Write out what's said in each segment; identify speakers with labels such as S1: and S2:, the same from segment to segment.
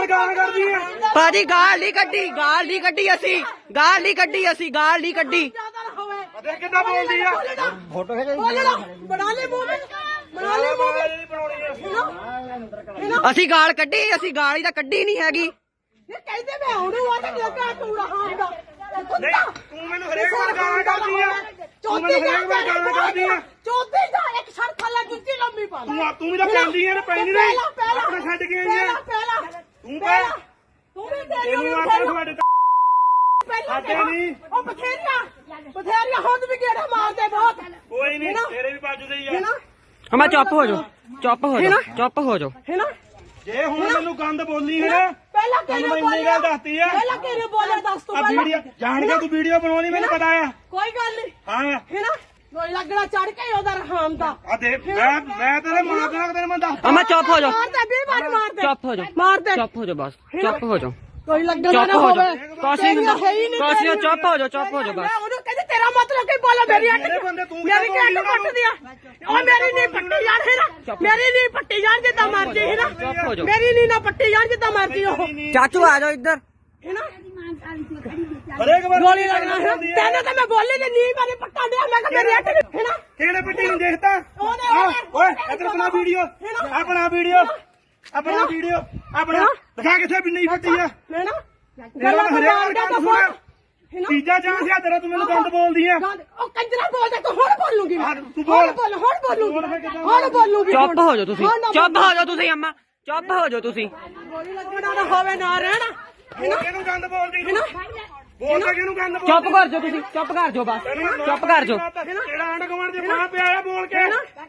S1: ਨਾਲ ਗਾਲਾਂ ਕਰਦੀ ਆ
S2: ਭਾਜੀ ਗਾਲ ਨਹੀਂ ਕੱਢੀ ਅਸੀਂ ਗਾਲ ਨਹੀਂ ਕੱਢੀ
S1: ਦੇਖ ਕਿੱਦਾਂ ਬੋਲਦੀ ਆ
S3: ਫੋਟੋ ਖਿਚਾਈ
S4: ਬਣਾ ਲੈ ਮੂਵੀ
S1: ਨਹੀਂ ਬਣਾਉਣੀ
S2: ਅਸੀਂ ਗਾਲ ਹੀ ਤਾਂ ਕੱਢੀ ਨਹੀਂ ਹੈਗੀ।
S4: ਇਹ ਕਹਿੰਦੇ ਮੈਂ ਉਹਨੂੰ ਆ ਤੇ ਲੱਗਾ ਤੂੰ ਰਹਾਂਗਾ
S1: ਨਹੀਂ ਤੂੰ ਮੈਨੂੰ ਹਰੇਕ ਵਾਰ ਗਾਲਾਂ ਕਰਦੀ ਆ ਤੂੰ ਮੈਨੂੰ ਹਰੇਕ ਵਾਰ ਗਾਲਾਂ ਕਰਦੀ ਆ
S4: ਚੌਥੀ ਦਾ ਇੱਕ ਸ਼ਰਤ ਵਾਲਾ ਜੁੱਤੀ ਲੰਮੀ ਪਾ
S1: ਤੂੰ ਵੀ ਤਾਂ ਪੈਂਦੀ ਆ ਨਾ ਪੈਂਦੀ ਨਹੀਂ ਆਪਣਾ ਛੱਡ ਕੇ ਆਈ ਆ ਤੂੰ ਪੈ
S4: ਤੂੰ ਵੀ
S1: ਤੈਨੂੰ ਆਖਿਆ ਤੁਹਾਡੇ ਸਾਡੇ ਨਹੀਂ
S4: ਉਹ ਬਥੇਰੀਆਂ ਹੁਣ ਵੀ ਗੇੜਾ ਮਾਰਦੇ ਬਹੁਤ
S1: ਕੋਈ ਨਹੀਂ ਤੇਰੇ ਵੀ ਵੱਜਦੇ ਹੀ ਆ
S2: ਹਮਾ ਚੁੱਪ ਹੋ ਜਾਓ
S4: ਹੈ ਨਾ
S1: ਜੇ ਹੁਣ ਮੈਨੂੰ ਗੰਦ ਬੋਲੀ ਹੈ
S4: ਪਹਿਲਾਂ
S1: ਤੈਨੂੰ ਮੈਂ ਇੰਨੀ ਗੱਲ ਦੱਸਤੀ ਆ
S4: ਪਹਿਲਾਂ ਕਿਹਨੇ ਬੋਲਿਆ ਦੱਸ ਤੂੰ
S1: ਆ ਵੀਡੀਓ ਜਾਣ ਕੇ ਤੂੰ ਵੀਡੀਓ ਬਣਾਉਣੀ ਮੈਨੂੰ ਪਤਾ ਆ
S4: ਕੋਈ ਗੱਲ ਨਹੀਂ
S1: ਹਾਂ
S4: ਹੈ ਨਾ ਕੋਈ ਲੱਗਣਾ ਚੜ ਕੇ ਉਹਦਾ ਰਹਾਮ ਦਾ
S1: ਆ ਦੇ ਮੈਂ ਤੇਰੇ ਮਾਂ ਦਾ ਤੇਰੇ ਮੈਂ ਦੱਸ
S2: ਹਮਾ ਚੁੱਪ ਹੋ ਜਾਓ
S4: ਮਾਰਦੇ ਵੀਰ ਮਾਰਦੇ
S2: ਚੁੱਪ ਹੋ ਜਾਓ
S4: ਮਾਰਦੇ
S2: ਚੁੱਪ ਹੋ ਜਾਓ ਬਸ ਚੁੱਪ ਹੋ ਜਾਓ
S4: ਕੋਈ ਲੱਗਣਾ
S2: ਚੁੱਪ
S4: ਨਾ
S2: ਹੋ
S4: ਹੋਵੇ
S2: ਜਾਓ ਕਾਸੀ ਹੁੰਦਾ ਕਾਸੀ ਚੁੱਪ ਹੋ ਜਾਓ ਬਸ
S4: ਮੈਂ ਉਹਨੂੰ ਕਹਿੰਦੀ ਤੇਰਾ ਮਤਲਬ ਕੀ ਬੋਲਾ ਮੇਰੀ ਅੱਟ ਮੇਰੀ ਕਿਹੜੀ ਪੱਟ ਦਿਆ ਉਹ ਮੇਰੀ ਨਹੀਂ ਪੱਟੀ ਜਾਣ ਹੈ ਨਾ ਮੇਰੀ ਨਹੀਂ ਪੱਟੀ ਜਾਣ ਜਿੱਦਾਂ ਮਰਜੀ ਹੈ ਨਾ ਮੇਰੀ ਨਹੀਂ ਨਾ ਪੱਟੀ ਜਾਣ ਜਿੱਦਾਂ ਮਰਜੀ ਉਹ
S2: ਚਾਚੂ ਆ ਜਾਓ ਇੱਧਰ
S4: ਹੈ ਨਾ
S1: ਹਰੇਕ ਵਾਰ
S4: ਗੋਲੀ ਲੱਗਣਾ ਹੈ ਤੈਨੂੰ ਤਾਂ ਮੈਂ ਬੋਲੀ ਤੇ ਨਹੀਂ ਮੇਰੀ ਪੱਟਾਂ ਦਿਆ ਮੈਂ ਕਿਹਾ ਮੇਰੀ ਅੱਟ ਹੈ ਨਾ
S1: ਕਿਹੜੇ ਪੱਟੀ ਨੂੰ ਦੇਖਦਾ ਓਏ ਇੱਧਰ ਬਣਾ ਵੀਡੀਓ ਆਪਣਾ ਵੀਡੀਓ ਆਪਣਾ ਦਿਖਾ ਕਿੱਥੇ ਵੀ ਨਹੀਂ ਫੱਟੀ ਆ
S4: ਹੈ ਨਾ
S1: ਤੇਰਾ ਹਰੇਕ ਵਾਰ ਗੱਲ ਸੁਣ ਤੀਜਾ ਚਾਂਸ ਆ ਤੇਰਾ ਤੂੰ ਮੈਨੂੰ ਗੰਦ ਬੋਲਦੀ ਆ
S4: ਉਹ ਕੰਜਰਾ ਬੋਲਦਾ ਤੂੰ ਹੁਣ ਬੋਲੂਗੀ
S1: ਤੂੰ ਬੋਲ
S4: ਹੁਣ ਬੋਲੂਗੀ
S2: ਚੁੱਪ ਹੋ ਜਾਓ ਤੁਸੀਂ ਅੰਮਾ ਚੁੱਪ ਹੋ ਜਾਓ ਤੁਸੀਂ
S4: ਗੋਲੀ ਲੱਗਣਾ ਨਾ ਹੋਵੇ ਨਾ ਰਹਿਣਾ
S1: ਹੋਰ ਕਿਹਨੂੰ ਗੰਦ ਬੋਲਦੀ ਤੂੰ ਬੋਲਦਾ ਕਿਹਨੂੰ ਗੰਦ ਬੋਲਦੀ
S2: ਚੁੱਪ ਕਰ ਜਾਓ ਤੁਸੀਂ ਚੁੱਪ ਕਰ ਜਾਓ ਬਸ ਚੁੱਪ ਕਰ ਜਾਓ
S1: ਤੇਰਾ ਆਂਡ ਕਮਾਂਡ ਦੇ ਮਾਂ ਪਿਆ ਆ ਬੋਲ ਕੇ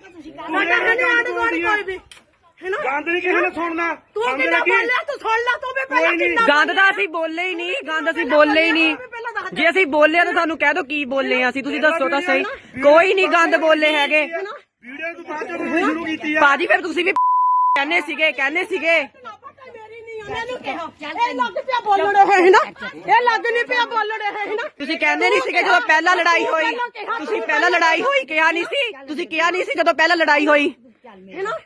S4: ਕੋਈ ਵੀ
S1: ਗੰਦ ਨਹੀਂ ਕਿਸੇ ਨੇ ਸੁਣਨਾ
S4: ਤੂੰ ਕਿੰਨਾ ਬੋਲਿਆ ਤੂੰ ਸੁਣ ਲੈ ਤੂੰ ਵੀ ਪਹਿਲਾਂ ਕਿੰਨਾ
S2: ਗੰਦ ਤਾਂ ਅਸੀਂ ਬੋਲੇ ਹੀ ਨਹੀਂ ਜੇ ਅਸੀਂ ਬੋਲਿਆ ਤਾਂ ਸਾਨੂੰ ਕਹਿ ਦੋ ਕੀ ਬੋਲੇ ਆ ਅਸੀਂ ਤੁਸੀਂ ਦੱਸੋ ਤਾਂ ਸਹੀ ਕੋਈ ਨਹੀਂ ਗੰਦ ਬੋਲੇ ਹੈਗੇ
S1: ਵੀਡੀਓ ਤੂੰ ਬਾਅਦ ਚ ਬਣਾਉਣੀ ਸ਼ੁਰੂ ਕੀਤੀ ਆ
S2: ਭਾਜੀ ਫਿਰ ਤੁਸੀਂ ਵੀ ਕਹਿੰਦੇ ਸੀਗੇ
S4: ਇਹ ਲੱਗ ਪਿਆ ਬੋਲਣ ਹੈ ਨਾ ਇਹ ਲੱਗ ਨਹੀਂ ਪਿਆ ਬੋਲਣ ਹੈ ਨਾ
S2: ਤੁਸੀਂ ਕਹਿੰਦੇ ਨਹੀਂ ਸੀਗੇ ਜਦੋਂ ਪਹਿਲਾਂ ਲੜਾਈ ਹੋਈ ਤੁਸੀਂ ਪਹਿਲਾਂ ਲੜਾਈ ਹੋਈ ਕਿਹਾ ਨਹੀਂ ਸੀ ਤੁਸੀਂ ਕਿਹਾ ਨਹੀਂ ਸੀ ਜਦੋਂ ਪਹਿਲਾਂ ਲੜਾਈ ਹੋਈ
S4: ਹੈ ਨਾ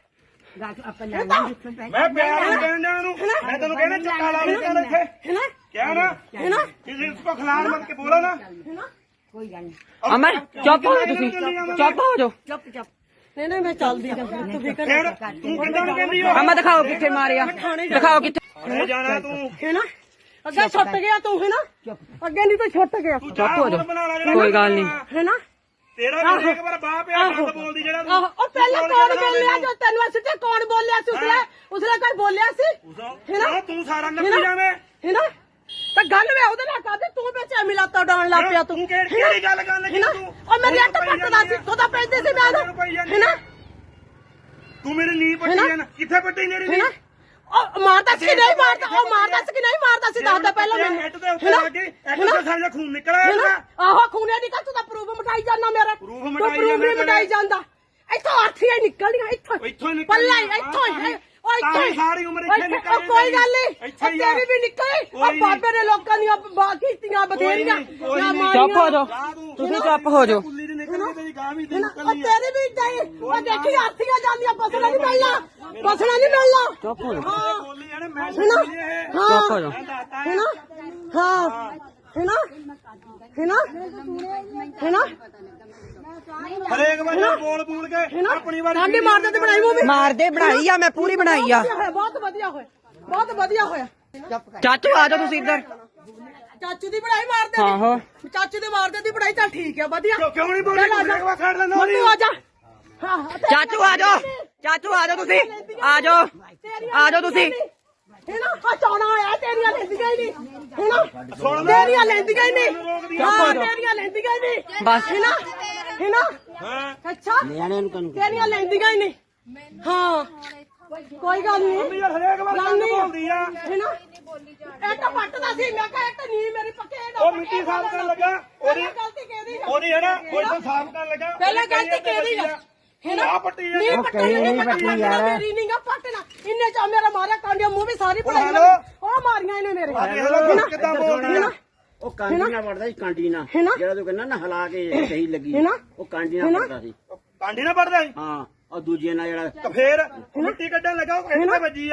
S1: ਮੈਂ ਪਿਆਰ ਨਾਲ ਕਹਿੰਦਾ ਉਹਨੂੰ ਮੈਂ ਤੈਨੂੰ ਕਹਿੰਦਾ ਚੱਕਾ ਲਾ ਲੈ ਚੱਲ ਇੱਥੇ
S4: ਹੈ ਨਾ
S1: ਕਿਹਾ ਨਾ ਕਿਸੇ ਕੋ ਖਿਲਾੜ ਮਤ ਕੇ ਬੋਲੋ ਨਾ
S2: ਅਮਰ ਚੁੱਪ ਹੋ ਜਾਓ ਤੁਸੀਂ ਚੁੱਪ ਹੋ ਜਾਓ
S4: ਨਹੀਂ ਮੈਂ ਚੱਲਦੀ ਤੂੰ ਫਿਕਰ
S1: ਫਿਰ ਤੂੰ ਕਿੱਦਾਂ ਨੂੰ ਕਹਿੰਦੀ ਹੋ
S2: ਅਮਾ ਦਿਖਾਓ ਕਿੱਥੇ ਮਾਰਿਆ ਦਿਖਾਓ ਕਿੱਥੇ
S1: ਮੈਂ ਜਾਣਾ ਤੂੰ
S4: ਹੈ ਨਾ ਅੱਗੇ ਛੁੱਟ ਗਿਆ ਤੂੰ ਹੈ ਨਾ ਅੱਗੇ ਨਹੀਂ ਤਾਂ ਛੁੱਟ ਗਿਆ
S2: ਚੁੱਪ ਹੋ ਜਾਓ ਕੋਈ ਗੱਲ ਨਹੀਂ
S4: ਹੈ ਨਾ
S1: ਤੇਰਾ ਵੀ ਇੱਕ ਵਾਰ ਬਾਹ ਪਿਆ ਗੰਦ ਬੋਲਦੀ ਜਿਹੜਾ ਤੂੰ
S4: ਉਹ ਪਹਿਲਾਂ ਕੌਣ ਬੋਲਿਆ ਜੋ ਤੈਨੂੰ ਅਸੀਂ ਤੇ ਕੌਣ ਬੋਲਿਆ ਸੀ ਉਸਲੇ ਕੋਈ ਬੋਲਿਆ ਸੀ
S1: ਹਾਂ ਤੂੰ ਸਾਰਾ ਨੱਪੀ ਜਾਵੇਂ
S4: ਹੈ ਨਾ ਤਾਂ ਗੱਲ ਵੇ ਉਹਦੇ ਨਾਲ ਕਰਦੇ ਤੂੰ ਵਿੱਚ ਮਿਲਾਤਾ ਡਾਉਣ ਲੱਗ ਪਿਆ ਤੂੰ
S1: ਕਿਹੜੀ ਗੱਲ ਕਰਨ ਲੱਗੀ ਤੂੰ
S4: ਉਹ ਮੇਰੀ ਅੱਟ ਪੱਟਦਾ ਸੀ ਤੂੰ ਤਾਂ ਪੈਂਦੇ ਸੀ ਮੈਂ ਹੈ ਨਾ
S1: ਤੂੰ ਮੇਰੀ ਨੀ ਪੱਟੀ ਜਾਣਾ ਕਿੱਥੇ ਪੱਟੀ ਮੇਰੀ ਨੀ
S4: ਉਹ ਮਾਰਦਾ ਸੀ ਨਹੀਂ ਮਾਰਦਾ ਉਹ ਮਾਰਦਾ ਸੀ ਕਿ ਨਹੀਂ ਮਾਰਦਾ ਸੀ ਦੱਸਦਾ ਪਹਿਲਾਂ ਮੈਨੂੰ
S1: ਇੱਟ ਦੇ ਉੱਤੇ ਲੱਗ ਗਈ ਇੱਟ ਤੋਂ ਸਾਰਾ ਖੂਨ ਨਿਕਲਿਆ
S4: ਆਹੋ ਖੂਨੇ ਦੀ ਤੂੰ ਤਾਂ ਪ੍ਰੂਫ ਮਟਾਈ ਜਾਂਦਾ ਮੇਰਾ ਪ੍ਰੂਫ ਮਟਾਈ ਜਾਂਦਾ ਇੱਥੋਂ ਅਰਥੀਆਂ ਨਿਕਲਦੀਆਂ ਇੱਥੋਂ ਪੱਲਾ ਇੱਥੋਂ ਉਹ ਇੱਥੋਂ
S1: ਸਾਰੀ ਉਮਰ ਇੱਥੇ ਨਿਕਲ
S4: ਕੋਈ ਗੱਲ ਨਹੀਂ ਤੇਰੀ ਵੀ ਨਿਕਲੀ ਉਹ ਬਾਬੇ ਨੇ ਲੋਕਾਂ ਦੀਆਂ ਕੀਤੀਆਂ ਬਥੇਰੀਆਂ
S2: ਚੁੱਪ ਹੋ ਜਾਓ ਤੁਸੀਂ ਚੁੱਪ ਹੋ ਜਾਓ
S1: ਕੁੱਲੀ ਦੀ ਨਿਕਲ ਗਈ ਗਾਂ ਵੀ
S4: ਉਹ ਤੇਰੀ ਵੀ ਜਾਈ ਉਹ ਦੇਖੀ ਅਰਥੀਆਂ ਜਾਂਦੀਆਂ ਬਸਣਾ ਨਹੀਂ ਮਿਲਣਾ
S2: ਚੁੱਪ ਹੋ ਜਾਓ
S1: ਬੋਲੀ ਆ ਨਾ ਮੈਂ
S2: ਚੁੱਪ ਹੋ ਜਾਓ
S4: ਹੈ ਨਾ ਹਾਂ ਹੈ ਨਾ
S1: ਹਰੇਕ ਵਾਰ ਬੋਲ ਕੇ ਆਪਣੀ ਵਾਰੀ
S4: ਸਾਡੀ ਮਾਰਦੇ ਤੇ ਬਣਾਈ ਮੂਵੀ
S2: ਮਾਰਦੇ ਬਣਾਈ ਆ ਮੈਂ ਪੂਰੀ ਬਣਾਈ ਆ
S4: ਬਹੁਤ ਵਧੀਆ ਹੋਇਆ
S2: ਚਾਚੂ ਆ ਜਾਓ ਤੁਸੀਂ ਇੱਧਰ
S4: ਚਾਚੂ ਦੀ ਬਣਾਈ ਮਾਰਦੇ
S2: ਆਹੋ
S4: ਚਾਚੂ ਦੇ ਮਾਰਦੇ ਦੀ ਬਣਾਈ ਚੱਲ ਠੀਕ ਹੈ ਵਧੀਆ
S1: ਕਿਉਂ ਨਹੀਂ ਬੋਲੀ ਹਰੇਕ ਵਾਰ ਛੱਡ ਲੈਂਦਾ
S4: ਤੂੰ ਆ ਜਾ
S2: ਚਾਚੂ ਆ ਜਾਓ ਤੁਸੀਂ ਆ ਜਾਓ ਤੁਸੀਂ
S4: ਹੈ ਨਾ ਆ ਚੌਣਾ ਆਇਆ ਤੇਰੀਆਂ ਲੈਂਦੀਆਂ ਹੀ ਨਹੀਂ ਹੈ ਨਾ ਤੇਰੀਆਂ ਲੈਂਦੀਆਂ ਹੀ ਨਹੀਂ ਹਾਂ ਤੇਰੀਆਂ ਲੈਂਦੀਆਂ ਹੀ ਨਹੀਂ
S2: ਬਸ
S4: ਹੈ ਨਾ ਅੱਛਾ ਤੇਰੀਆਂ ਲੈਂਦੀਆਂ ਹੀ ਨਹੀਂ ਹਾਂ ਕੋਈ ਗੱਲ ਨਹੀਂ
S1: ਯਾਰ ਹਰੇਕ ਵਾਰ ਗੱਲ ਬੋਲਦੀ ਆ
S4: ਹੈ ਨਾ ਇੱਕ ਪੱਟਦਾ ਸੀ ਮੈਂ ਕਿਹਾ ਇੱਕ ਨੀ ਮੇਰੀ ਪੱਕੇ
S1: ਉਹ ਮਿੱਟੀ ਸਾਫ਼ ਕਰਨ ਲੱਗਾ
S4: ਗਲਤੀ ਕਿਹਦੀ
S1: ਉਹਦੀ ਹੈ ਨਾ ਕੋਈ ਤਾਂ ਸਾਫ਼ ਕਰਨ ਲੱਗਾ
S4: ਪਹਿਲਾਂ ਗਲਤੀ ਕਿਹਦੀ ਹੈ ਨਾ
S1: ਪੱਟੀ
S4: ਨਹੀਂ ਪੱਟੀ ਯਾਰ ਮੇਰੀ ਨਹੀਂ ਗਾ ਪੱਟਣਾ ਇੰਨੇ ਚ ਮੇਰਾ ਮਾਰਿਆ ਕਾਂਡੀਆਂ ਮੂੰਹ ਵੀ ਸਾਰੀ ਪੜਾਈ ਉਹ ਮਾਰੀਆਂ ਇਹਨੇ ਮੇਰੇ
S1: ਕਿੱਦਾਂ ਬੋਲਦੀ ਆ
S3: ਉਹ ਕਾਂਡੀ ਨਾਲ ਵੜਦਾ ਸੀ ਕਾਂਡੀ ਨਾਲ ਜਿਹੜਾ ਤੂੰ ਕਹਿੰਦਾ ਨਾ ਹਿਲਾ ਕੇ ਸਹੀ ਲੱਗੀ ਉਹ ਕਾਂਡੀ ਨਾਲ ਵੜਦਾ ਸੀ
S1: ਕਾਂਡੀ ਨਾਲ ਪੜਦਾ ਸੀ
S3: ਹਾਂ ਉਹ ਦੂਜੇ ਨਾਲ ਜਿਹੜਾ
S1: ਫੇਰ ਮਿੱਟੀ ਕੱਢਣ ਲੱਗਾ ਉਹ ਕਿੱਥੇ ਵੱਜੀ ਆ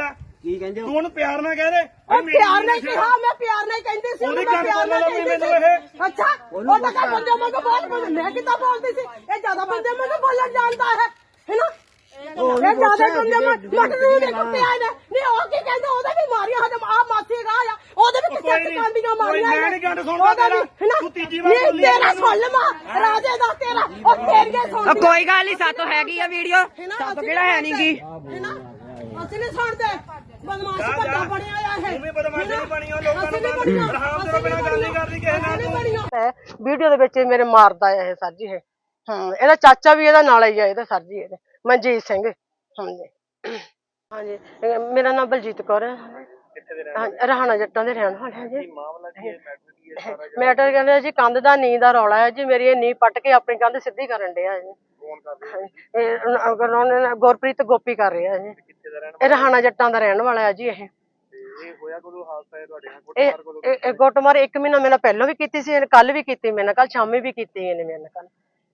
S3: ਕੀ ਕਹਿੰਦੇ ਹੋ?
S1: ਤੂੰ ਉਹਨੂੰ ਪਿਆਰ ਨਾਲ ਕਹਿ ਦੇ
S4: ਉਹ ਪਿਆਰ ਨਾਲ ਕਿਹਾ ਮੈਂ ਪਿਆਰ ਨਾਲ ਕਹਿੰਦੀ ਸੀ
S1: ਉਹਦੀ
S4: ਮੈਂ
S1: ਗੱਲ
S4: ਪਿਆਰ ਨਾਲ
S1: ਸੁਣ ਲੈ
S4: ਕਹਿੰਦੀ
S1: ਮੈਨੂੰ
S4: ਸੀ ਅੱਛਾ ਉਹ ਤਾਂ ਕਾ ਬੰਦੇ ਮੈਂ ਬਹੁਤ ਬੋਲ ਮੈਂ ਕਿੱਦਾਂ ਬੋਲਦੀ ਸੀ ਇਹ ਜ਼ਿਆਦਾ ਬੰਦੇ ਮੈਨੂੰ ਬੋਲਣ ਜਾਣਦਾ ਹੈ ਹੈਨਾ ਇਹ ਜ਼ਿਆਦਾ ਬੰਦੇ ਮਟਰ ਨੂੰ ਦੇ ਕੁੱਤੇ ਆਏ ਨੇ ਨਹੀਂ ਉਹ ਕੀ ਕਹਿੰਦੇ ਉਹਦੇ ਵੀ ਮਾਰੀਆਂ ਹਜਮ ਆ ਮਾਸੀ ਰਾਹ ਆ ਉਹਦੇ ਵੀ ਕਿੱਥੇ ਕਾਂਡੀਆਂ ਮਾਰੀਆਂ
S1: ਮੈਂ ਨਹੀਂ ਗੱਲ ਸੁਣਦਾ ਤੇਰਾ ਤੂੰ ਤੀਜੀ ਵਾਰ ਬੋਲੀ
S4: ਤੇਰਾ ਸੁਣ ਲਵਾਂ ਰਾਜੇ ਦਾ ਤੇਰਾ ਉਹ ਤੇਰੀਆਂ ਸੁਣ
S2: ਕੋਈ ਗੱਲ ਨਹੀਂ ਸਾਤੋਂ ਹੈਗੀ ਆ ਵੀਡੀਓ ਸਾਤੋਂ ਕਿਹੜਾ ਹੈ ਨਹੀਂਗੀ
S4: ਹੈਨਾ ਅਸੀਂ ਨਹੀਂ ਸੁਣਦੇ ਬਦਮਾਸ਼ ਵੱਡਾ ਬਣਿਆ ਆ ਇਹ
S1: ਤੂੰ ਵੀ ਬਦਮਾਸ਼ ਨਹੀਂ ਬਣੀ ਉਹ ਲੋਕਾਂ ਨੂੰ ਰਹਾਮ ਤੋਂ ਬਿਨਾਂ ਗੱਲ ਨਹੀਂ ਕਰਦੀ ਕਿਸੇ ਨਾਲ
S4: ਵੀਡੀਓ ਦੇ ਵਿੱਚ ਮੇਰੇ ਮਾਰਦਾ ਆ ਇਹ ਸਰ ਜੀ ਇਹ ਇਹਦਾ ਚਾਚਾ ਵੀ ਇਹਦਾ ਨਾਲ ਹੀ ਆ ਇਹਦਾ ਸਰ ਜੀ ਇਹਦੇ ਮਨਜੀਤ ਸਿੰਘ ਹਾਂਜੀ ਹਾਂਜੀ ਮੇਰਾ ਨਾਮ ਬਲਜੀਤ ਕੌਰ ਹੈ ਰਹਾਣਾ ਜੱਟਾਂ ਦੇ ਰਹਿਣ ਵਾਲੇ ਹਾਂ ਜੀ ਮੈਟਰ ਕਹਿੰਦੇ ਜੀ ਕੰਧ ਦਾ ਨੀਂਹ ਦਾ ਰੌਲਾ ਹੈ ਜੀ ਮੇਰੀ ਇਹ ਨੀਂਹ ਪੱਟ ਕੇ ਆਪਣੀ ਕੰਧ ਸਿੱਧੀ ਕਰਨ ਡਿਆ ਜੀ ਗੁਰਪ੍ਰੀਤ ਗੋਪੀ ਕਰ ਰਿਹਾ ਜੀ ਇਹ ਰਹਾਣਾ ਜੱਟਾਂ ਦਾ ਰਹਿਣ ਵਾਲਾ ਹੈ ਜੀ ਇਹ ਇਹ ਗੁੱਟਮਾਰ 1 ਮਹੀਨਾ ਮੇਰੇ ਨਾਲ ਪਹਿਲਾਂ ਵੀ ਕੀਤੀ ਸੀ ਇਹਨੇ ਕੱਲ ਵੀ ਕੀਤੀ ਮੇਰੇ ਨਾਲ ਕੱਲ ਸ਼ਾਮੀ ਵੀ ਕੀਤੀ ਇਹਨੇ ਮੇਰੇ ਨਾਲ ਕੱਲ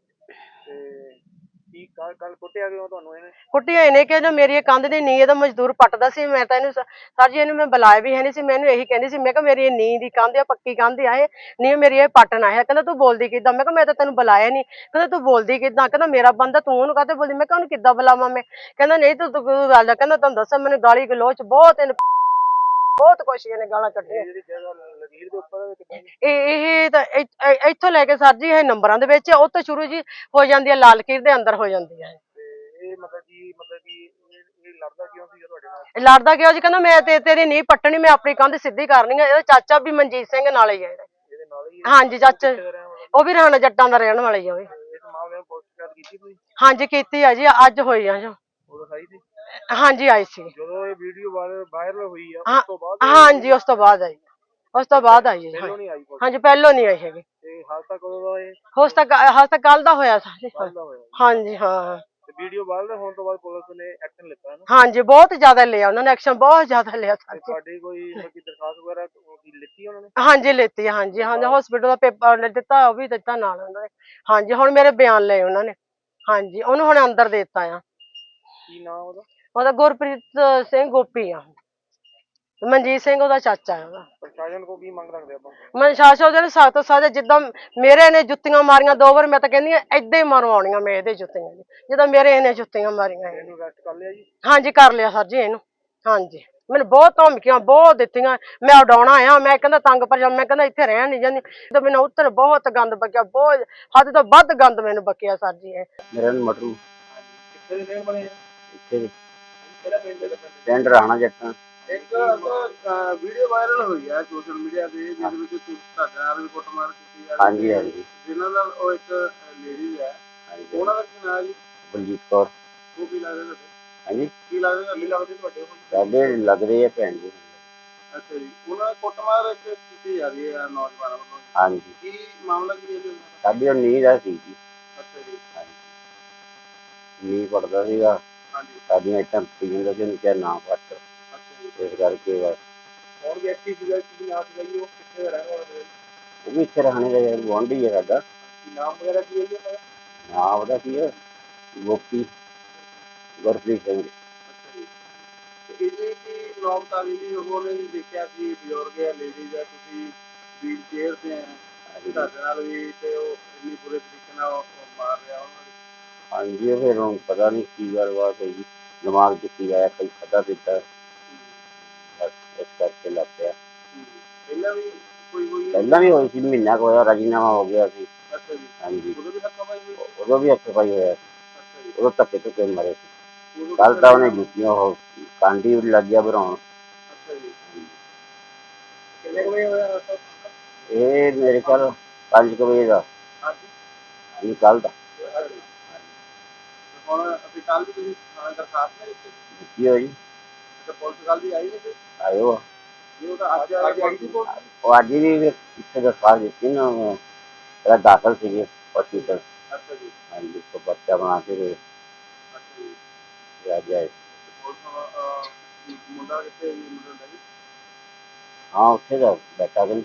S4: ਕੁੱਟਿਆ ਇਹਨੇ ਕਿ ਜੋ ਮੇਰੀ ਇਹ ਕੰਧ ਦੀ ਨੀਂਹ ਇਹਦਾ ਮਜ਼ਦੂਰ ਪੱਟਦਾ ਸੀ ਮੈਂ ਤਾਂ ਇਹਨੂੰ ਸਰ ਜੀ ਇਹਨੂੰ ਮੈਂ ਬੁਲਾਇਆ ਵੀ ਹੈ ਨਹੀਂ ਸੀ ਮੈਨੂੰ ਇਹੀ ਕਹਿੰਦੀ ਸੀ ਮੈਂ ਕਿਹਾ ਮੇਰੀ ਇਹ ਨੀਂਹ ਦੀ ਕੰਧ ਆ ਪੱਕੀ ਕੰਧ ਆ ਇਹ ਨੀਂਹ ਮੇਰੀ ਇਹ ਪੱਟਣਾ ਹੈ ਕਹਿੰਦਾ ਤੂੰ ਬੋਲਦੀ ਕਿੱਦਾਂ ਮੈਂ ਕਿਹਾ ਮੈਂ ਤਾਂ ਤੈਨੂੰ ਬੁਲਾਇਆ ਨਹੀਂ ਕਹਿੰਦਾ ਤੂੰ ਬੋਲਦੀ ਕਿੱਦਾਂ ਕਹਿੰਦਾ ਮੇਰਾ ਬੰਦਾ ਤੂੰ ਉਹਨੂੰ ਕਾਹਤੇ ਬੋਲਦੀ ਮੈਂ ਕਿਹਾ ਉਹਨੂੰ ਕਿੱਦਾਂ ਬੁਲਾਵਾਂ ਮੈਂ ਕਹਿੰਦਾ ਨਹੀਂ ਤੂੰ ਗੱਲ ਕਹਿੰਦਾ ਤੁਹਾਨੂੰ ਦੱਸਾਂ ਮੈਨੂੰ ਗਾਲੀ ਗਲੋਚ ਬਹੁਤ ਕੁਛ ਇਹਨੇ ਗਾਲਾਂ ਕੱਢੀਆਂ ਇਹ ਤਾਂ ਇੱਥੋਂ ਲੈ ਕੇ ਸਰ ਜੀ ਇਹ ਨੰਬਰਾਂ ਦੇ ਵਿੱਚ ਉਹ ਤੋਂ ਸ਼ੁਰੂ ਜੀ ਹੋ ਜਾਂਦੀ ਹੈ ਲਾਲ ਕੀਰ ਦੇ ਅੰਦਰ ਹੋ ਜਾਂਦੀ ਹੈ ਲੜਦਾ ਕਿਉਂ ਜੀ ਕਹਿੰਦਾ ਮੈਂ ਤੇਰੀ ਨੀਂਹ ਪੱਟਣੀ ਮੈਂ ਆਪਣੀ ਕੰਧ ਸਿੱਧੀ ਕਰਨੀ ਹੈ ਇਹਦਾ ਚਾਚਾ ਵੀ ਮਨਜੀਤ ਸਿੰਘ ਨਾਲ ਹੀ ਹੈ ਹਾਂਜੀ ਚਾਚਾ ਉਹ ਵੀ ਰਹਾਣਾ ਜੱਟਾਂ ਦਾ ਰਹਿਣ ਵਾਲਾ ਹੀ ਆ ਹਾਂਜੀ ਕੀਤੀ ਆ ਜੀ ਅੱਜ ਹੋਈ ਆ ਜੋ ਹਾਂਜੀ ਆਈ ਸੀ
S1: ਜਦੋਂ ਇਹ ਵੀਡੀਓ ਵਾਇਰਲ ਹੋਈ ਆ
S4: ਹਾਂਜੀ ਉਸ ਤੋਂ ਬਾਅਦ ਆਈ ਹਾਂਜੀ ਪਹਿਲੋਂ ਨਹੀਂ ਆਈ ਹੈਗੀ
S1: ਤੇ ਹਾਲ ਤੱਕ ਕਦੋਂ ਦਾ ਇਹ
S4: ਹਾਲ ਤੱਕ ਕੱਲ ਦਾ ਹੋਇਆ ਸਾਰੇ ਹਾਂਜੀ ਹਾਂ
S1: ਵੀਡੀਓ ਵਾਇਰਲ ਹੋਣ ਤੋਂ ਬਾਅਦ ਪੁਲਿਸ ਨੇ ਐਕਸ਼ਨ ਲਿੱਤਾ ਹੈ ਨਾ
S4: ਹਾਂਜੀ ਬਹੁਤ ਜ਼ਿਆਦਾ ਲਿਆ ਉਹਨਾਂ ਨੇ ਐਕਸ਼ਨ ਬਹੁਤ ਜ਼ਿਆਦਾ ਲਿਆ
S1: ਤੁਹਾਡੀ ਕੋਈ ਦਰਖਾਸਤ ਵਗੈਰਾ ਲਿੱਤੀ ਉਹਨਾਂ ਨੇ
S4: ਹਾਂਜੀ ਲਿੱਤੀ ਹਾਂਜੀ ਹਸਪੀਟਲ ਦਾ ਪੇਪਰ ਦਿੱਤਾ ਉਹ ਵੀ ਦਿੱਤਾ ਨਾਲ ਉਹਨਾਂ ਨੇ ਹਾਂਜੀ ਹੁਣ ਮੇਰੇ ਬਿਆਨ ਲਏ ਉਹਨਾਂ ਨੇ ਹਾਂਜੀ ਉਹਨੂੰ ਹੁਣ ਅੰਦਰ ਦੇ ਦਿੱਤਾ ਆ
S1: ਕੀ ਨਾਮ
S4: ਉਹਦਾ ਗੁਰਪ੍ਰੀਤ ਸਿੰਘ ਗੋਪੀ ਆ ਮਨਜੀਤ ਸਿੰਘ ਉਹਦਾ ਚਾਚਾ ਹੈ ਉਹਦਾ
S1: ਪ੍ਰਸ਼ਾਸਨ ਕੋ ਕੀ ਮੰਗ ਰੱਖਦੇ ਆਪਾਂ
S4: ਪ੍ਰਸ਼ਾਸਨ ਉਹਦੇ ਸਖਤ ਸਜ਼ਾ ਜਿੱਦਾਂ ਮੇਰੇ ਨੇ ਜੁੱਤੀਆਂ ਮਾਰੀਆਂ 2 ਵਾਰ ਮੈਂ ਤਾਂ ਕਹਿੰਦੀ ਏਦਾਂ ਹੀ ਮਰਵਾਉਣੀਆਂ ਮੈਂ ਇਹਦੇ ਜੁੱਤੀਆਂ ਜਿੱਦਾਂ ਮੇਰੇ ਇਹਨੇ ਜੁੱਤੀਆਂ ਮਾਰੀਆਂ
S1: ਇਹਨੂੰ ਅਰੈਸਟ ਕਰ ਲਿਆ ਜੀ
S4: ਹਾਂਜੀ ਕਰ ਲਿਆ ਸਰ ਜੀ ਇਹਨੂੰ ਹਾਂਜੀ ਮੈਨੂੰ ਬਹੁਤ ਧਮਕੀਆਂ ਬਹੁਤ ਦਿੱਤੀਆਂ ਮੈਂ ਉਡਾਉਣਾ ਆ ਮੈਂ ਕਹਿੰਦਾ ਤੰਗ ਪਰ ਮੈਂ ਕਹਿੰਦਾ ਇੱਥੇ ਰਹਿਣ ਨਹੀਂ ਜਾਂਦੀ ਤੇ ਮੈਨੂੰ ਉੱਤਰ ਬਹੁਤ ਗੰਦ ਬਕਿਆ ਬਹੁਤ ਹੱਦ ਤੋਂ ਵੱਧ ਗੰਦ ਮੈਨੂੰ ਬਕਿਆ ਸਰ ਜੀ ਇਹ
S3: ਮੇਰਾ ਨਾਮ ਮਟਰੂ
S1: ਕਿੱਥੇ ਦੇ ਰਹਿਣ ਵਾਲੇ ਆ
S3: ਇੱਥੇ ਦੇ
S1: ਕਿਹੜਾ ਪਿੰਡ ਦਾ
S3: ਪਿੰਡ ਰਹਾਣਾ ਜੱਟਾਂ
S1: ਇੱਕ ਵੀਡੀਓ ਵਾਇਰਲ ਹੋਈ ਹੈ ਸੋਸ਼ਲ ਮੀਡੀਆ ਤੇ ਜਿਹਦੇ ਵਿੱਚ ਤੁਹਾਡੇ ਨਾਲ ਵੀ ਕੁੱਟਮਾਰ ਕੀਤੀ ਜਾ ਰਹੀ ਹੈ
S3: ਹਾਂਜੀ
S1: ਜਿਨ੍ਹਾਂ ਨਾਲ ਉਹ ਇੱਕ ਲੇਡੀ ਹੈ ਉਹਨਾਂ ਦਾ ਕੀ ਨਾਮ ਜੀ
S3: ਬਲਜੀਤ ਕੌਰ
S1: ਉਹ ਕੀ ਲੱਗਦੇ ਤੁਹਾਡੇ
S3: ਹਾਂਜੀ
S1: ਕੀ ਲੱਗਦੇ ਤੁਹਾਡੇ
S3: ਸਾਡੇ ਲੱਗਦੇ ਆ ਭੈਣ ਜੀ
S1: ਅੱਛਾ ਜੀ ਉਹਨਾਂ ਦਾ ਕੁੱਟਮਾਰ ਕੀਤੀ ਜਾ ਰਹੀ ਹੈ ਨੌਜਵਾਨਾਂ ਵੱਲੋਂ
S3: ਹਾਂਜੀ
S1: ਕੀ ਮਾਮਲਾ ਕੀ ਹੈ
S3: ਸਾਡੀ ਉਹ ਨੀਂਹ ਦਾ ਸੀ ਜੀ
S1: ਅੱਛਾ ਜੀ
S3: ਨੀਂਹ ਪੜਦਾ ਸੀਗਾ
S1: ਹਾਂਜੀ
S3: ਸਾਡੀਆਂ ਇੱਟਾਂ ਪੀ ਜਾਂਦਾ ਸੀ ਉਹਨੂੰ ਕਿਹਾ ਨਾ ਪੱਟ ਇਸ ਕਰਕੇ ਬਸ
S1: ਹੋਰ ਵਿਅਕਤੀ ਸੀਗਾ ਕੀ ਨਾਮ ਸੀਗਾ ਜੀ ਉਹ ਕਿੱਥੇ ਦਾ ਰਹਿਣ ਵਾਲਾ ਹੈ
S3: ਉਹ ਵੀ ਇੱਥੇ ਰਹਿਣੇ ਦਾ ਗੁਆਂਢੀ ਹੈ ਸਾਡਾ
S1: ਨਾਮ ਵਗੈਰਾ ਕੀ ਹੈ ਜੀ ਉਹਦਾ
S3: ਨਾਂ ਉਹਦਾ ਕੀ ਹੈ ਗੋਪੀ ਗੁਰਪ੍ਰੀਤ ਸਿੰਘ
S1: ਇਹਦੇ ਕੀ ਨੌਬਤਾਲੀ ਦੀ ਉਹਨੇ ਦੇਖਿਆ ਕਿ ਬਜ਼ੁਰਗ ਹੈ ਲੇਡੀਜ਼ ਹੈ ਤੁਸੀਂ ਵੀਲ ਚੇਅਰ ਤੇ ਹੈ ਤੁਹਾਡੇ ਨਾਲ ਵੀ ਤੇ ਉਹ ਇੰਨੀ ਬੁਰੇ ਤਰੀਕੇ ਨਾਲ ਮਾਰ ਰਿਹਾ ਉਹਨਾਂ ਨੇ
S3: ਹਾਂਜੀ ਉਹ ਫਿਰ ਹੁਣ ਪਤਾ ਨਹੀਂ ਕੀ ਗੱਲਬਾਤ ਹੋਈ ਦਿਮਾਗ 'ਚ ਕੀ ਆਇਆ ਕਈ ਖਾਧਾ ਪੀਤਾ ਬਸ ਇਸ ਕਰਕੇ ਲੱਗ ਪਿਆ
S1: ਪਹਿਲਾਂ ਵੀ
S3: ਪਹਿਲਾਂ ਵੀ ਹੋਈ ਸੀ ਮਹੀਨਾ ਕੁ ਹੋਇਆ ਰਾਜੀਨਾਮਾ ਹੋ ਗਿਆ ਸੀ
S1: ਅੱਛਾ ਜੀ
S3: ਹਾਂਜੀ
S1: ਉਦੋਂ ਵੀ ਹੱਥਾਪਾਈ ਹੋਈ
S3: ਉਦੋਂ ਵੀ ਹੱਥ-ਪਾਈ ਹੋਇਆ
S1: ਅੱਛਾ ਜੀ
S3: ਉਦੋਂ ਧੱਕੇ ਧੁੱਕੇ ਮਾਰੇ ਸੀ ਕੱਲ ਤਾਂ ਉਹਨੇ ਜੁੱਤੀਆਂ ਉਹ ਕਾਂਡੀ ਲੱਗ ਗਿਆ ਬਣਾਉਣ
S1: ਅੱਛਾ ਜੀ ਕਿੰਨੇ ਵਜੇ ਹੋਇਆ
S3: ਇਹ ਮੇਰੇ ਕੋਲ 5 ਵਜੇ ਦਾ
S1: ਹਾਂਜੀ
S3: ਕੱਲ ਦਾ
S1: ਹੁਣ ਅਸੀਂ ਕੱਲ ਵੀ ਤੁਸੀਂ ਦਰਖਾਸਤ ਨਹੀਂ ਦਿੱਤੀ
S3: ਕੀ ਹੋਈ
S1: ਤੇ ਪੁਲਿਸ ਕੱਲ ਦੀ ਆਈ ਨਹੀਂ
S3: ਆਇਓ
S1: ਉਹ ਤਾਂ ਅੱਜ ਆਈ ਸੀ
S3: ਉਹ ਅੱਜ ਵੀ ਇੱਥੇ ਦਰਖਾਸਤ ਦਿੱਤੀ ਨਾ ਪਹਿਲਾਂ ਦਾਖਲ ਸੀਗੇ ਹਸਪੀਟਲ
S1: ਅੱਛਾ ਜੀ
S3: ਹਾਂਜੀ ਤੋਂ ਬੱਚਾ ਬਣਾ ਕੇ ਦੇ
S1: ਅੱਛਾ ਜੀ
S3: ਅੱਜ ਆਏ
S1: ਮੁੰਡਾ ਕਿੱਥੇ ਮੁੰਡਾ ਜੀ
S3: ਹਾਂ ਉੱਥੇ ਦਾ ਬੈਠਾ ਕਹਿੰਦੇ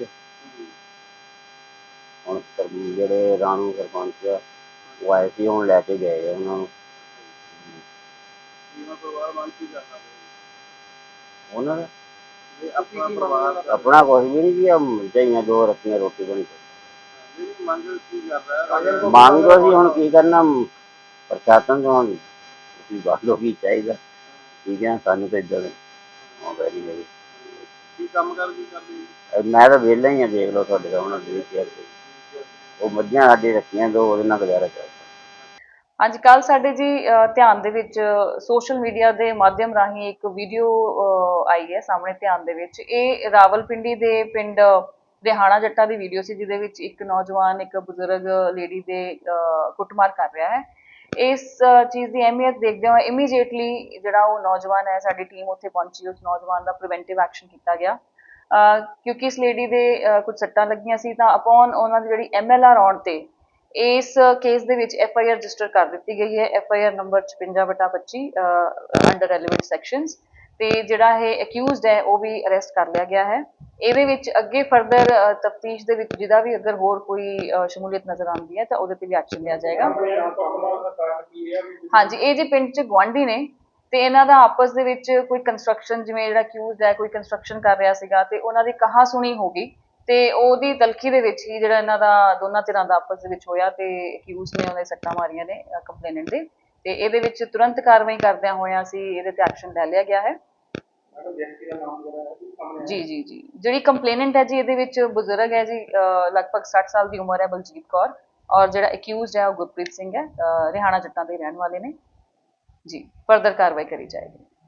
S3: ਹੁਣ ਜਿਹੜੇ ਰਾਣੂ ਸਰਪੰਚ ਉਹ ਆਏ ਸੀ ਹੁਣ ਲੈ ਕੇ ਗਏ ਉਹਨਾਂ ਨੂੰ ਉਹਨਾਂ ਦਾ
S1: ਤੇ ਆਪਣਾ ਪਰਿਵਾਰ ਦਾ
S3: ਆਪਣਾ ਕੁਛ ਵੀ ਨਹੀਂ ਜੀ, ਝਾਈਆਂ ਦੋ ਰੱਖੀਆਂ, ਰੋਟੀ ਬਣੀ।
S1: ਜਿਹੜੀ ਮੰਗ ਕੀ ਕਰਦਾ ਹੈ
S3: ਮੰਗ ਅਸੀਂ ਹੁਣ ਕੀ ਕਰਨਾ, ਪ੍ਰਸ਼ਾਸਨ ਤੋਂ ਹੁਣ ਤੁਸੀਂ ਦੱਸ ਲਓ ਕੀ ਚਾਹੀਦਾ। ਠੀਕ ਹੈ, ਸਾਨੂੰ ਤਾਂ ਇੱਦਾਂ ਆਉਂਦਾ ਨਹੀਂ ਹੈ।
S1: ਕੀ ਕੰਮ ਕਰ ਕੀ ਕਰਦੇ ਜੀ?
S3: ਮੈਂ ਤਾਂ ਵਿਹਲਾ ਹੀ ਆ, ਦੇਖ ਲਓ ਤੁਹਾਡੇ ਸਾਹਮਣੇ ਦੇ ਕੇ ਉਹ ਮੱਝਾਂ ਸਾਡੇ ਰੱਖੀਆਂ ਦੋ, ਉਹਦੇ ਨਾਲ ਗੁਜ਼ਾਰਾ ਚੱਲਦਾ।
S5: ਅੱਜ ਕੱਲ੍ਹ ਸਾਡੇ ਜੀ ਧਿਆਨ ਦੇ ਵਿੱਚ ਸੋਸ਼ਲ ਮੀਡੀਆ ਦੇ ਮਾਧਿਅਮ ਰਾਹੀਂ ਇੱਕ ਵੀਡੀਓ ਆਈ ਹੈ ਸਾਹਮਣੇ ਧਿਆਨ ਦੇ ਵਿੱਚ। ਇਹ ਰਾਵਲਪਿੰਡੀ ਦੇ ਪਿੰਡ ਰਿਹਾਣਾ ਜੱਟਾਂ ਦੀ ਵੀਡੀਓ ਸੀ, ਜਿਹਦੇ ਵਿੱਚ ਇੱਕ ਨੌਜਵਾਨ ਇੱਕ ਬਜ਼ੁਰਗ ਲੇਡੀ ਦੇ ਕੁੱਟਮਾਰ ਕਰ ਰਿਹਾ ਹੈ। ਇਸ ਚੀਜ਼ ਦੀ ਅਹਿਮੀਅਤ ਦੇਖਦੇ ਹੋਏ ਇਮੀਡੀਏਟਲੀ ਜਿਹੜਾ ਉਹ ਨੌਜਵਾਨ ਹੈ, ਸਾਡੀ ਟੀਮ ਉੱਥੇ ਪਹੁੰਚੀ, ਉਸ ਨੌਜਵਾਨ ਦਾ ਪ੍ਰੀਵੈਂਟਿਵ ਐਕਸ਼ਨ ਕੀਤਾ ਗਿਆ। ਕਿਉਂਕਿ ਇਸ ਲੇਡੀ ਦੇ ਕੁਝ ਸੱਟਾਂ ਲੱਗੀਆਂ ਸੀ, ਤਾਂ ਅਪੋਨ ਉਹਨਾਂ ਦੀ ਜਿਹੜੀ MLR ਆਉਣ ਤੇ ਇਸ ਕੇਸ ਦੇ ਵਿੱਚ FIR ਰਜਿਸਟਰ ਕਰ ਦਿੱਤੀ ਗਈ ਹੈ। FIR number 56/25 under relevant sections. ਤੇ ਜਿਹੜਾ ਇਹ ਅਕਿਊਜ਼ਡ ਹੈ ਉਹ ਵੀ ਅਰੈਸਟ ਕਰ ਲਿਆ ਗਿਆ ਹੈ। ਇਹਦੇ ਵਿੱਚ ਅੱਗੇ ਫਰਦਰ ਤਫਤੀਸ਼ ਦੇ ਵਿੱਚ ਜਿਹਦਾ ਵੀ ਅਗਰ ਹੋਰ ਕੋਈ ਸ਼ਮੂਲੀਅਤ ਨਜ਼ਰ ਆਉਂਦੀ ਹੈ ਤਾਂ ਉਹਦੇ ਤੇ ਵੀ ਐਕਸ਼ਨ ਲਿਆ ਜਾਏਗਾ। ਹਾਂਜੀ, ਇਹ ਜੀ ਪਿੰਡ 'ਚ ਗੁਆਂਢੀ ਨੇ ਤੇ ਇਹਨਾਂ ਦਾ ਆਪਸ ਦੇ ਵਿੱਚ ਕੋਈ ਕੰਸਟਰਕਸ਼ਨ, ਜਿਵੇਂ ਜਿਹੜਾ ਅਕਿਊਜ਼ਡ ਹੈ ਕੋਈ ਕੰਸਟਰਕਸ਼ਨ ਕਰ ਰਿਹਾ ਸੀਗਾ ਤੇ ਉਹਨਾਂ ਦੀ ਕਹਾ ਸੁਣੀ ਹੋ ਗਈ, ਤੇ ਉਹਦੀ ਤਲਖੀ ਦੇ ਵਿੱਚ ਹੀ ਜਿਹੜਾ ਇਹਨਾਂ ਦਾ ਦੋਨਾਂ ਧਿਰਾਂ ਦਾ ਆਪਸ ਦੇ ਵਿੱਚ ਹੋਇਆ ਤੇ ਅਕਿਊਜ਼ਡ ਨੇ ਉਹਨੇ ਸੱਟਾਂ ਮਾਰੀਆਂ ਨੇ ਕੰਪਲੇਨੈਂਟ ਦੇ। ਤੇ ਇਹਦੇ ਵਿੱਚ ਤੁਰੰਤ ਕਾਰਵਾਈ ਕਰਦਿਆਂ ਹੋਇਆਂ ਅਸੀਂ ਇਹਦੇ ਤੇ ਐਕਸ਼ਨ ਲੈ ਲਿਆ ਗਿਆ ਹੈ। ਜੀ ਜੀ ਜੀ, ਜਿਹੜੀ ਕੰਪਲੇਨੈਂਟ ਹੈ ਜੀ ਇਹਦੇ ਵਿੱਚ ਬਜ਼ੁਰਗ ਹੈ ਜੀ, ਲਗਭਗ 60 ਸਾਲ ਦੀ ਉਮਰ ਹੈ, ਬਲਜੀਤ ਕੌਰ। ਔਰ ਜਿਹੜਾ ਅਕਿਊਜ਼ਡ ਹੈ ਉਹ ਗੁਰਪ੍ਰੀਤ ਸਿੰਘ ਹੈ, ਰਿਹਾਣਾ ਜੱਟਾਂ ਦੇ ਰਹਿਣ ਵਾਲੇ ਨੇ ਜੀ। ਫਰਦਰ ਕਾਰਵਾਈ ਕਰੀ ਜਾਏਗੀ।